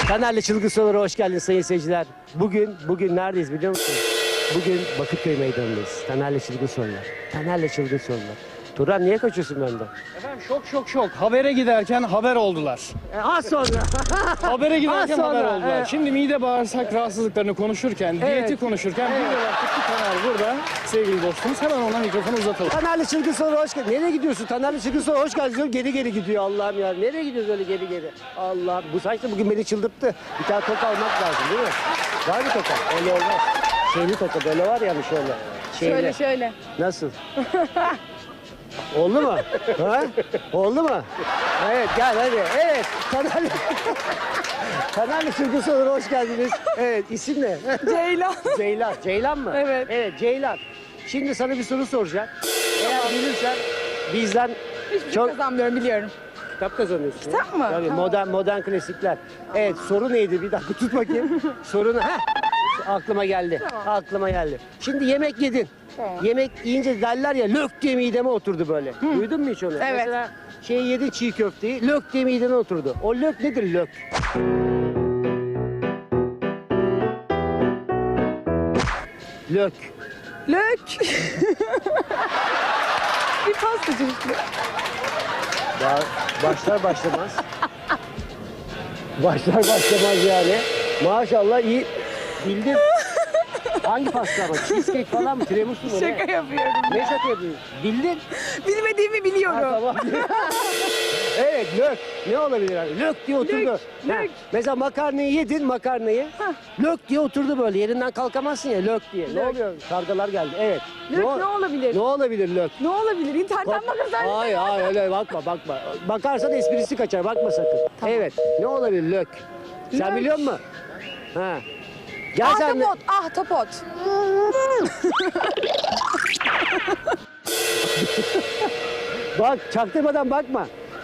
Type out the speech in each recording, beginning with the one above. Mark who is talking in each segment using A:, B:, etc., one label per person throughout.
A: Taner'le Çılgın Sorulara hoş geldiniz sayın seyirciler. Bugün neredeyiz biliyor musunuz? Bugün Bakırköy Meydanı'ndayız. Taner'le Çılgın Sorular. Taner'le Çılgın Sorular. Turan niye kaçıyorsun benden?
B: Efendim şok. Habere giderken haber oldular.
A: Az sonra.
B: Habere giderken
A: Az sonra,
B: haber oldular.
A: evet.
B: Şimdi mide bağırsak rahatsızlıklarını konuşurken, diyeti konuşurken bir de baktık ki Taner burada. Sevgili dostumuz hemen ona mikrofonu uzatalım.
A: Taner'le Çılgın Sorulara hoş geldin. Nereye gidiyorsun? Taner'le Çılgın Sorulara hoş geldin diyorum. Geri gidiyor Allah'ım ya. Nereye gidiyoruz öyle geri? Allah'ım bu saç da bugün beni çıldırttı. Bir tane toka almak lazım değil mi? Var mı toka? Öyle olmaz. Şeyli toka böyle var yani şöyle. Şeyli.
C: Şöyle.
A: Nasıl? Oldu mu? Ha? Oldu mu? Evet gel hadi. Evet. Taner'le Çılgın Sorulara hoş geldiniz. Evet isim ne?
C: Ceylan.
A: Ceylan. Ceylan mı?
C: Evet.
A: Evet Ceylan. Şimdi sana bir soru soracağım. Eğer bilirsen bizden
C: Hiçbir şey
A: çok
C: kazanmıyorum biliyorum.
A: kitap kazanıyorsun.
C: Kitap mı?
A: Tabii
C: Tamam.
A: modern klasikler. Evet soru neydi? Bir dakika tut bakayım. Sorunu aklıma geldi.
C: Tamam.
A: Aklıma geldi. Şimdi yemek yedin.
C: Tamam.
A: Yemek yiyince derler ya lök diye mideme oturdu böyle. Duydun mu hiç onu?
C: Evet.
A: Mesela yedin çiğ köfteyi lök diye mideme oturdu. O lök nedir lök? Lök.
C: Lök. Bir pasta çeşitli.
A: Daha başlar başlamaz. başlar başlamaz yani. Maşallah iyi bildin. Hangi pasta ama? Cheesecake falan mı? Tiramisu mu?
C: Şaka
A: Ne?
C: yapıyorum.
A: Ne şaka yapıyorsun? Bildin.
C: Bilmediğimi biliyorum.
A: Tamam. Evet lök. Ne olabilir yani? Lök diye oturdu.
C: Lök,
A: Ha,
C: lök.
A: mesela makarnayı yedin makarnayı. Lök diye oturdu böyle. Yerinden kalkamazsın ya lök diye. Ne
C: Lök.
A: oluyor? Kargalar geldi. Evet.
C: Lök ne olabilir?
A: Ne olabilir lök?
C: Ne olabilir? İnternetten bakarsan.
A: Hayır öyle bakma. Bakarsan esprisi kaçar bakma sakın.
C: Tamam.
A: Evet ne olabilir lök? Sen
C: Lök.
A: biliyor musun? Ha. Gel sen de.
C: Ahtapot.
A: Bak çaktırmadan bakma.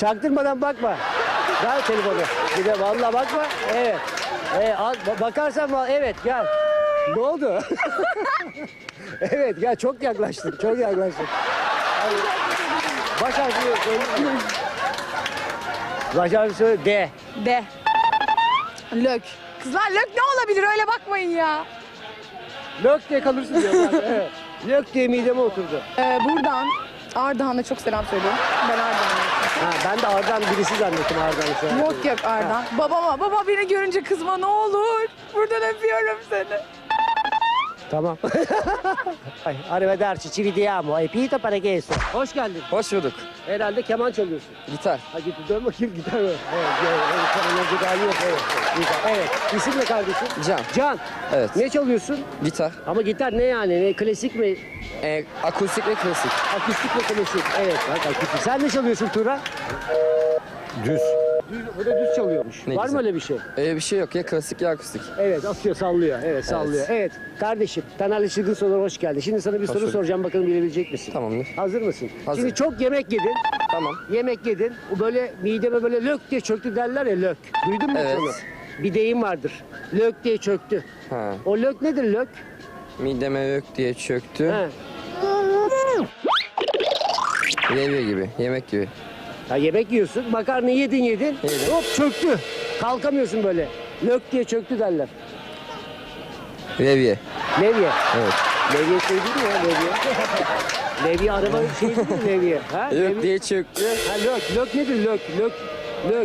A: Ver telefonu. Bir de vallahi bakma. Evet. Bakarsan evet gel. Ne oldu? Evet gel çok yaklaştın. Baş harfini söyle. Baş harfini söyle. D.
C: De. Lök. Kızlar lök ne olabilir? Öyle bakmayın ya.
A: Lök diye kalırsın diyorlar. Evet. Lök diye mideme oturdu.
C: Buradan Ardahan'a çok selam söylüyorum. Ben Ardahan'ım.
A: Ha, ben de Ardahan birisi zannettim Ardahan'ı.
C: Yok Ardahan. Baba beni görünce kızma ne olur. Buradan öpüyorum seni.
A: Tamam. Arrivederci, ci vediamo. Hai pito para questo. Hoş geldin.
D: Hoş bulduk.
A: Herhalde keman çalıyorsun.
D: Gitar.
A: Ha git dön bakayım gitar var. Evet, keman önce yok. Gitar. Evet. İsim ne kardeşim?
D: Can.
A: Can.
D: Evet.
A: Ne çalıyorsun?
D: Gitar.
A: Ama gitar ne yani? Ne, klasik mi?
D: Akustik ve klasik.
A: Akustik mi klasik? Evet bak akustik. Sen ne çalıyorsun Turan?
D: Düz.
A: Bu da düz çalıyormuş.
D: Ne
A: Var
D: güzel.
A: mı öyle bir şey?
D: Bir şey yok ya klasik ya akustik.
A: Evet atıyor sallıyor. Evet sallıyor. Evet kardeşim Taner'le Çılgın Sorulara hoş geldin. Şimdi sana bir soru
D: bulduk.
A: soracağım bakalım bilebilecek misin?
D: Tamamdır.
A: Hazır mısın?
D: Hazır.
A: Şimdi çok yemek yedin.
D: Tamam.
A: Yemek yedin. O böyle mideme böyle lök diye çöktü derler ya lök. Duydun mu hiç
D: Evet.
A: onu? Bir deyim vardır. Lök diye çöktü.
D: Ha.
A: O lök nedir lök?
D: Mideme yok diye çöktü.
A: He.
D: Levye gibi, yemek gibi.
A: Ya yemek yiyorsun. Makarnayı yedin.
D: Yedim.
A: Hop çöktü. Kalkamıyorsun böyle. Lök diye çöktü derler.
D: Levye.
A: Levye.
D: Evet.
A: Levye şey değil mi ya levye? Levye araba şey değil mi levye? Ha?
D: Yok
A: Levye-
D: diye çöktü.
A: Ha lök. Lök nedir lök? Lök.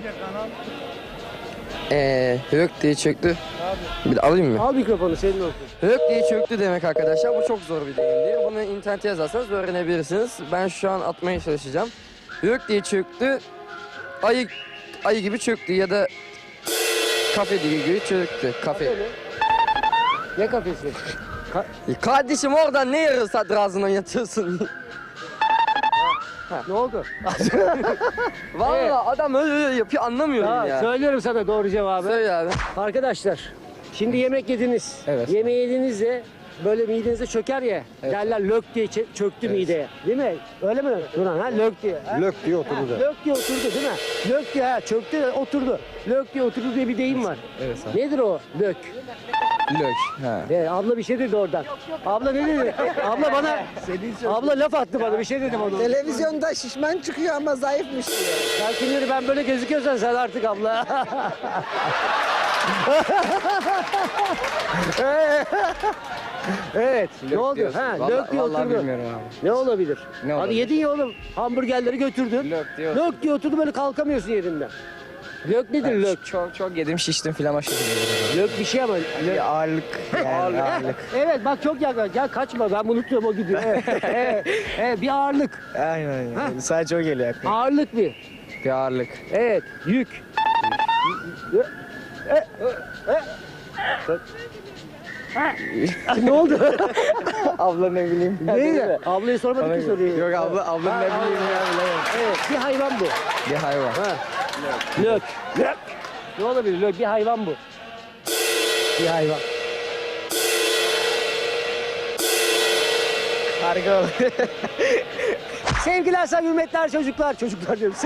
D: Yok diye çöktü. Bir de alayım mı?
A: Al mikrofonu senin olsun.
D: Yok diye çöktü demek arkadaşlar. Bu çok zor bir deyimdir. Bunu internete yazarsanız öğrenebilirsiniz. Ben şu an atmaya çalışacağım. Yok diye çöktü. Ayı gibi çöktü ya da kafe gibi çöktü. Kafe.
A: Öyle. Ne kafesi?
D: Kardeşim oradan ne yarı sadrazına yatıyorsun?
A: Ne oldu?
D: Vallahi
A: Evet.
D: adam öyle yapıyor anlamıyorum
A: Ha,
D: ya.
A: söylüyorum sana doğru cevabı.
D: Söyle abi.
A: Arkadaşlar şimdi yemek yediniz.
D: Evet.
A: Yemeği yedinizde böyle midenize çöker ya.
D: Evet.
A: Derler lök diye çöktü mideye. Değil mi? Öyle mi? Duran ha lök diye. Ha?
E: Lök diye oturdu da.
A: Lök diye oturdu değil mi? Lök diye çöktü oturdu. Lök diye oturdu diye bir deyim var.
D: Evet abi.
A: Nedir o lök?
D: Lök. Ha.
A: Abla bir şey dedi oradan. Abla ne dedi? Abla bana abla laf attı bana bir şey dedim ona.
F: Televizyonda şişman çıkıyor ama zayıfmış diyor.
A: Ya şimdi ben böyle gözüküyorsan sen artık abla. Evet. Ne oldu?
D: diyorsun.
A: Ha,
D: Vallahi-
A: lök diye
D: vallahi
A: oturdu.
D: bilmiyorum abi.
A: Ne olabilir?
D: Ne
A: Hadi
D: olabilir?
A: yedin ya oğlum. Hamburgerleri götürdün.
D: Lök diye
A: Lök diye oturdu böyle kalkamıyorsun yerinden. Lök nedir lök?
E: Çok yedim şiştim filan o şekilde.
A: Lök bir şey ama. Lök.
E: Ağırlık yani ağırlık.
A: Evet bak çok yakın. Gel kaçma ben bunu tutuyorum o gidiyor. Evet, bir ağırlık.
E: Aynen yani. Sadece o geliyor aklıma.
A: Ağırlık bir.
E: Bir ağırlık.
A: Evet yük. Ne oldu?
E: Abla ne bileyim.
A: Neydi? Ablaya sormadık ki soruyu.
E: Yok abla ne bileyim ya.
A: Evet bir hayvan bu.
E: Bir hayvan.
A: Ha. Lök. Lök. Ne olabilir lök? Bir hayvan bu. Bir hayvan.
E: Karga
A: Sevgili Hasan Hürmetler çocuklar. Çocuklar diyorum.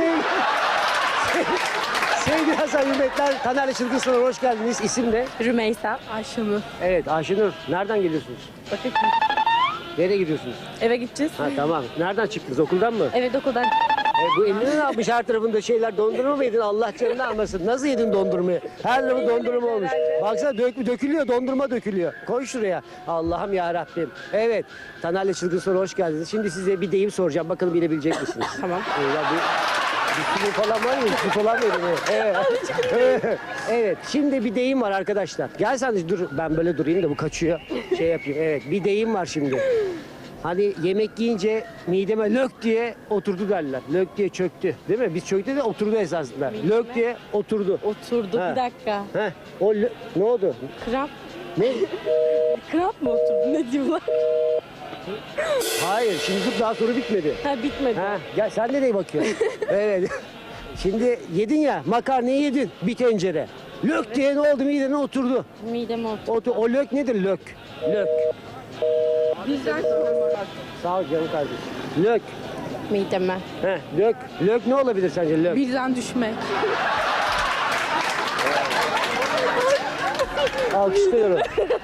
A: Sevgili Hasan Hürmetler, Taner'le Çılgın Sınır'a hoş geldiniz. İsim ne?
C: Rümeysa. Ayşenur.
A: Evet Ayşenur. Nereden geliyorsunuz?
C: Bakın
A: Nereye gidiyorsunuz?
C: eve gideceğiz.
A: Ha tamam. Nereden çıktınız? Okuldan mı?
C: Evet okuldan.
A: Bu eline ne yapmış her tarafında şeyler? Dondurma mı yedin? Allah canını almasın. Nasıl yedin dondurmayı? Her tarafı dondurma olmuş. Baksana dökülüyor, dondurma dökülüyor. Koy şuraya. Allah'ım ya Rabbim. Evet. Taner'le Çılgın Sınır'a hoş geldiniz. Şimdi size bir deyim soracağım. Bakalım bilebilecek misiniz?
C: Tamam.
A: Ya bir sürü falan var mı? Bir falan verin. Evet. Evet. Şimdi bir deyim var arkadaşlar. Gel sen de dur. Ben böyle durayım da bu kaçıyor. Şey yapayım. Evet. Bir deyim var şimdi. Hani yemek yiyince mideme lök diye oturdu derler. Lök diye çöktü. Değil mi? Biz çöktü de oturdu esasında. Lök diye oturdu.
C: Oturdu
A: Ha.
C: bir dakika.
A: Heh. Ne oldu?
C: Kramp.
A: Ne?
C: Kramp mı oturdu? Ne diyorlar?
A: Hayır. Şimdi dur daha soru bitmedi.
C: Ha bitmedi.
A: Ha, gel sen nereye bakıyorsun? Evet. Şimdi yedin ya makarnayı yedin bir tencere. Lök diye ne oldu midene oturdu.
C: Mideme oturdu.
A: O lök nedir lök? Lök. Sağ ol canım kardeşim. Lök.
C: Mideme.
A: Heh, lök. Lök ne olabilir sence lök?
C: Birden düşmek.
A: Alkışlıyorum.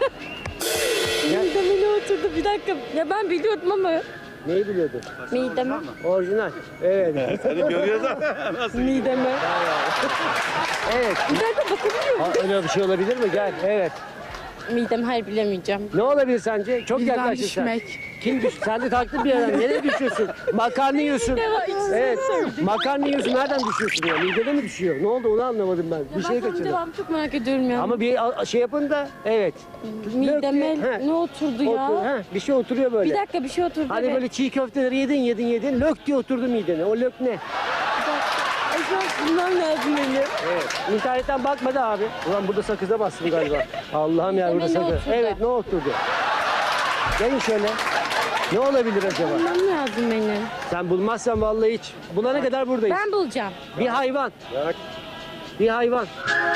C: Mideme ne oturdu? Bir dakika. Ya ben biliyordum ama.
A: Neyi biliyordun?
C: Mideme.
A: Orijinal. Evet.
C: Mideme.
A: Evet.
C: Bir dakika bakabiliyor muyum?
A: Öyle bir şey olabilir mi? Gel. Evet.
C: Midem hayır bilemeyeceğim.
A: Ne olabilir sence? Çok yaklaştın sen. Kim düş? Sen de taktın bir yerden. Nereye düşüyorsun? Makarna yiyorsun. Evet. Makarna yiyorsun. Nereden düşüyorsun ya? Midede mi düşüyor? Ne oldu onu anlamadım ben. Bir şey kaçırdım.
C: Devamı çok merak ediyorum ya.
A: Ama bir şey yapın da evet.
C: Mideme
A: He.
C: ne oturdu ya?
A: Bir şey oturuyor böyle.
C: Bir dakika bir şey oturdu.
A: Hani
C: evet.
A: böyle çiğ köfteleri yedin. Lök diye oturdu midene. O lök ne?
C: Ay şu an bulmam lazım beni.
A: Evet. İnternetten bakmadı abi. Ulan burada sakıza bastım galiba. Allah'ım ya burada
C: Mideme ne
A: sakız.
C: oturdu?
A: Evet ne oturdu? Gelin şöyle. Ne olabilir acaba?
C: Bulmam lazım benim.
A: Sen bulmazsan vallahi hiç. Bulana kadar buradayız.
C: Ben bulacağım.
A: Bir hayvan. Bir hayvan.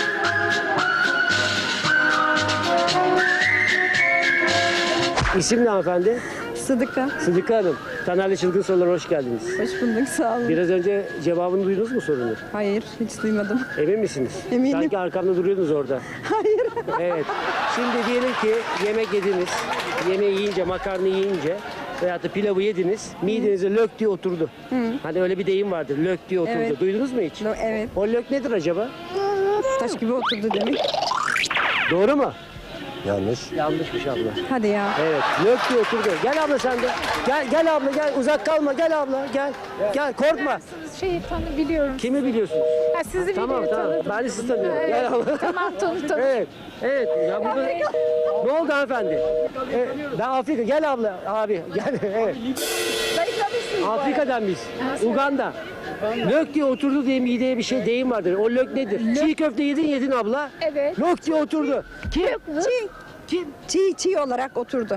A: İsim ne hanımefendi?
F: Sıdıka.
A: Sıdıka Hanım. Taner'le Çılgın Sorular'a hoş geldiniz.
F: Hoş bulduk sağ olun.
A: Biraz önce cevabını duydunuz mu sorunu?
F: Hayır hiç duymadım.
A: Emin misiniz?
F: Eminim.
A: Sanki arkamda duruyordunuz orada.
F: Hayır.
A: Evet. Şimdi diyelim ki yemek yediniz. Yemeği yiyince, makarna yiyince veyahut da pilavı yediniz. Midenize lök diye oturdu. Hani öyle bir deyim vardır. Lök diye oturdu.
F: Evet.
A: Duydunuz mu hiç?
F: Evet.
A: O lök nedir acaba?
F: Taş gibi oturdu demek.
A: Doğru mu?
G: Yanlış.
A: Yanlışmış abla.
F: Hadi ya.
A: Evet. Lök diye oturdu. Gel abla sen de. Gel abla gel. Uzak kalma. Gel abla. Gel. Gel korkma.
H: Şeytanı biliyorum.
A: Kimi biliyorsunuz?
H: Ha, sizi
A: Tamam
H: biliyorum,
A: tamam.
H: tanıdım.
A: Ben de sizi tanıyorum. Gel abla.
H: Tamam tanıdım.
A: Evet. Evet. Ya burada... Ne oldu hanımefendi? Ben Afrika. Gel abla abi. Gel. Evet. Afrika'dan biz. Uganda. Lök diye oturdu diye mideye bir şey deyim vardır. O lök nedir? Çiğ köfte yedin abla.
H: Evet.
A: Lök diye oturdu. Kim?
F: Çiğ olarak oturdu.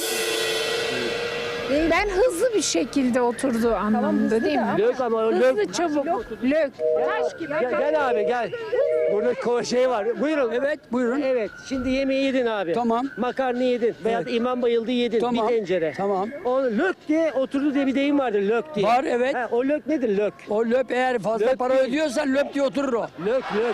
H: Ben hızlı bir şekilde oturdu anlamında değil mi?
A: Lök ama o lök.
H: Hızlı çabuk. Lök. Taş gibi.
A: Gel abi gel. Burada şey var. Buyurun.
I: Evet buyurun.
A: Evet. Şimdi yemeği yedin abi.
I: Tamam.
A: Makarna yedin. Veyahut imam bayıldı yedin.
I: Tamam.
A: Bir tencere.
I: Tamam.
A: O lök diye oturdu diye bir deyim vardır. Lök diye.
I: Var, evet.
A: Ha, o lök nedir lök?
I: O löp eğer fazla
A: Löp
I: para
A: değil.
I: ödüyorsan löp diye oturur o.
A: Lök lök.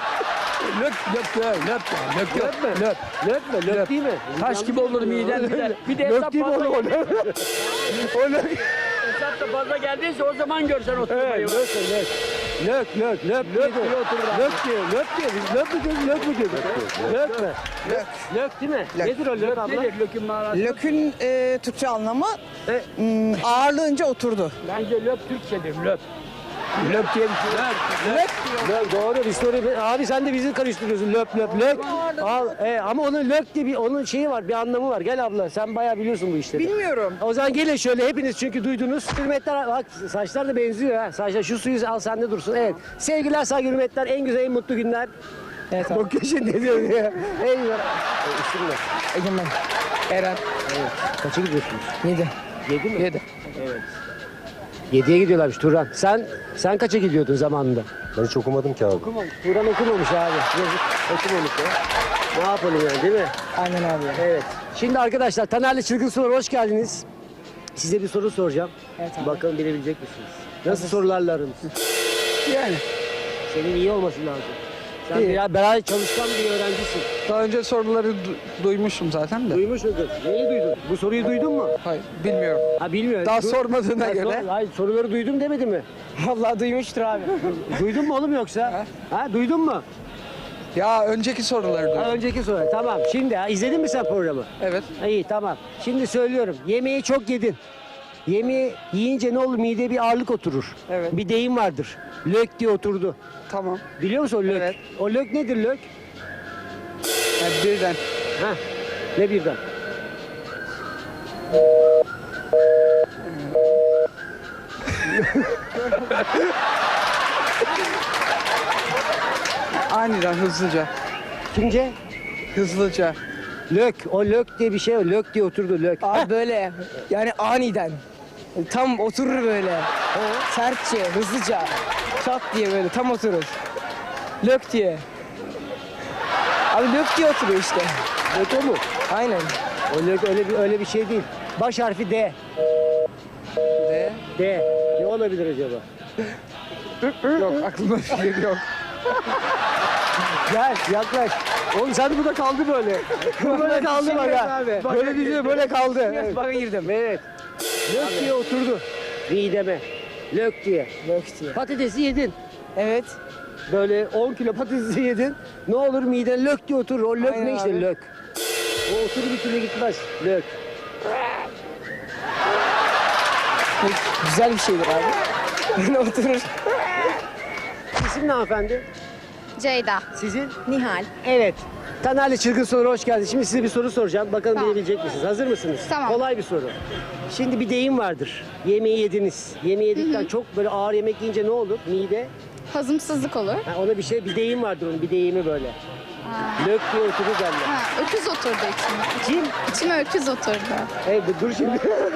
I: Löp
A: Lök mü?
I: löp.
A: Lök mü? Lök
I: Löp.
A: değil mi?
I: Taş gibi olur miden bir de. Bir de
A: Lök
I: hesap
A: değil mi
I: fazla
A: oğlum o lök? O lök.
I: hesap da fazla geldiyse o zaman görsen oturmayı.
A: Evet, lök. Lök diyor. Lök diyor. Biz lök mü diyoruz, lök mü diyoruz? Lök mü? Lök değil mi? Nedir o lök abla?
I: Nedir lökün manası?
G: Lök'ün Türkçe anlamı
A: E?
G: ağırlığınca oturdu.
I: Bence lök Türkçedir lök. Lök diye bir şey yok.
A: Lök doğru. Biz soruyu... Abi sen de bizi karıştırıyorsun. Lök. Al, ama onun lök diye onun şeyi var, bir anlamı var. Gel abla, sen bayağı biliyorsun bu işleri.
G: Bilmiyorum.
A: O zaman gelin şöyle hepiniz çünkü duydunuz. Hürmetler, bak saçlar da benziyor ha. Saçlar şu suyu al sende dursun. Evet. Sevgiler, saygı, hürmetler. En güzel, en mutlu günler.
G: Evet abi.
A: Bakıyor şimdi ne diyor ya. En güzel. İsim ne?
G: Egemen. Eren.
A: Kaça gidiyorsunuz?
G: 7.
A: 7 mi?
G: 7.
A: Evet. 7'ye gidiyorlarmış Turan. Sen kaça gidiyordun zamanında?
J: Ben hiç okumadım ki abi.
A: Okumamış. Turan okumamış abi. Yazık. Okumamış ya. Ne yapalım yani değil mi?
G: Aynen abi.
A: Evet. Şimdi arkadaşlar Taner'le Çılgın Sorular hoş geldiniz. Size bir soru soracağım.
G: Evet abi.
A: Bakalım bilebilecek misiniz? Nasıl sorularla aranız?
G: Yani
A: Senin iyi olması lazım. Sen
G: İyi.
A: biraz beraber çalışkan bir öğrencisin.
G: daha önce soruları duymuştum zaten de.
A: Duymuş muydun? Neyi duydun? Bu soruyu duydun mu?
G: Hayır bilmiyorum.
A: Ha bilmiyorum.
G: Daha sormadığına göre.
A: Hayır soruları duydum demedi mi?
G: Vallahi duymuştur abi.
A: Duydun mu oğlum yoksa? Ha duydun mu?
G: Ya önceki soruları
A: Ha,
G: duydum.
A: önceki soru. Tamam. Şimdi izledin mi sen programı?
G: Evet.
A: Ha, İyi tamam. Şimdi söylüyorum. Yemeği çok yedin. Yemeği yiyince ne olur? Mideye bir ağırlık oturur.
G: Evet.
A: Bir deyim vardır. Lök diye oturdu.
G: Tamam.
A: Biliyor musun o lök?
G: Evet.
A: O lök nedir lök?
G: Yani birden.
A: Ha? Ne birden?
G: Aniden hızlıca.
A: Kimce?
G: Hızlıca.
A: Lök. O lök diye bir şey var. Lök diye oturdu lök.
K: Abi böyle yani aniden tam oturur böyle sertçe hızlıca çat diye böyle tam oturur lök diye abi lök diye oturuyor işte
A: Lök o mu?
K: aynen
A: O lök öyle bir şey değil. Baş harfi D.
G: De.
A: D. Ne olabilir acaba?
G: Yok aklımda fikir yok.
A: Gel yaklaş. Oğlum sen de burada kaldı böyle. Böyle kaldı bak ha. Böyle diyor böyle kaldı. Evet.
K: baka girdim
A: Evet. Lök diye oturdu. Mideme. Lök diye.
K: lök diye
A: Patatesi yedin.
K: evet
A: Böyle 10 kilo patatesi yedin. Ne olur miden lök diye oturur. O lök
K: Aynen
A: ne işte
K: abi.
A: lök. O oturur bir türlü gitmez. Lök.
K: güzel bir şeydir abi böyle oturur
A: İsim ne hanımefendi?
C: Ceyda.
A: Sizin?
F: Nihal.
A: Evet. Taner'le Çılgın Soru hoş geldiniz. Şimdi size bir soru soracağım. Bakalım
C: Tamam.
A: bilebilecek misiniz? Hazır mısınız?
C: Tamam.
A: Kolay bir soru. Şimdi bir deyim vardır. Yemeği yediniz. Yemeği yedikten çok böyle ağır yemek yiyince ne olur? Mide.
C: Hazımsızlık olur.
A: Ha, ona bir deyim vardır onun. Bir deyimi böyle. Lök diye oturur derler.
C: Ha, öküz oturdu içime.
A: Kim?
C: İçime öküz oturdu.
A: Hey dur şimdi.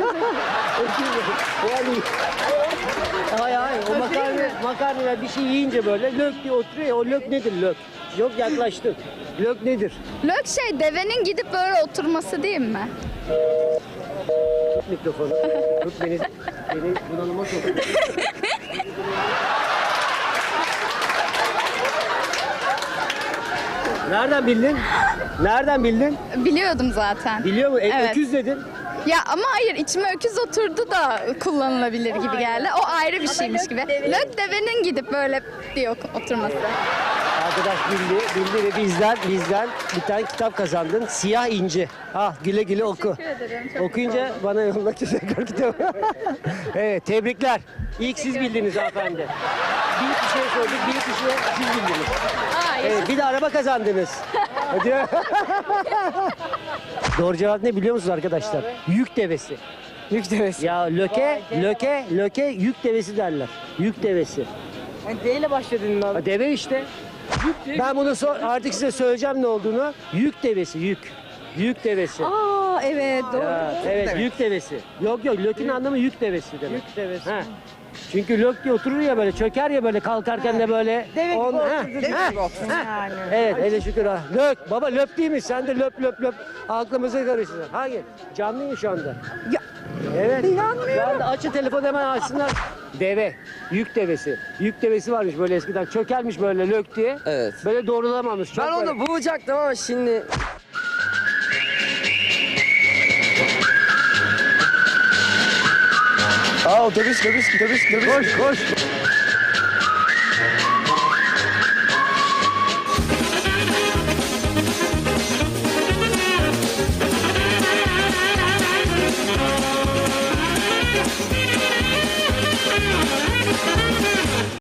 A: yani hayır o makarna bir şey yiyince böyle lök diye oturuyor ya, o lök nedir lök? Yok yaklaştın. Lök nedir?
C: Lök devenin gidip böyle oturması değil mi?
A: Tut mikrofonu. Tut beni bunalıma sok. Nereden bildin? Nereden bildin?
C: Biliyordum zaten.
A: Biliyor musun?
C: Evet.
A: Öküz dedin.
C: Ya ama hayır içime öküz oturdu da kullanılabilir gibi geldi. O ayrı bir şeymiş gibi. Lök devenin gidip böyle diye oturması.
A: Arkadaş bildi ve bizden bir tane kitap kazandın. Siyah İnci. Ah güle güle oku.
C: Teşekkür ederim. Çok
A: Okuyunca bana yolla tekrar kitabı. Evet tebrikler. İlk siz bildiniz hanımefendi. Bir kişiye sorduk, bir kişiye siz bildiniz.
C: Aa,
A: Evet, bir de araba kazandınız. Hadi. Doğru cevap ne biliyor musunuz arkadaşlar? Yük devesi.
K: yük devesi
A: Ya löke yük devesi derler. Yük devesi.
K: yani D ile başladın abi
A: Ha, deve işte. Ben bunu artık size söyleyeceğim ne olduğunu. Yük devesi, yük. Yük devesi.
F: Aa evet doğru.
A: Ya, evet, yük devesi. Yok lökün anlamı yük devesi demek. Yük devesi. Ha. Çünkü lök diye oturur ya böyle, çöker ya böyle kalkarken de böyle.
K: Deve gibi oturdu.
A: Ha.
F: Yani.
A: Evet, hele şükür ha. Lök, baba löp değil mi? Sen de löp. Aklımızı karıştırdın. Hangi? Canlı mı şu anda?
F: Ya,
A: Evet. Şu anda açın telefonu hemen açsınlar. Deve, yük devesi. Yük devesi varmış böyle eskiden. Çökermiş böyle lök diye.
D: Evet.
A: Böyle doğrulamamış. Çok
D: Ben
A: böyle-
D: onu bulacaktım ama şimdi
G: Aa otobüs.
A: Koş.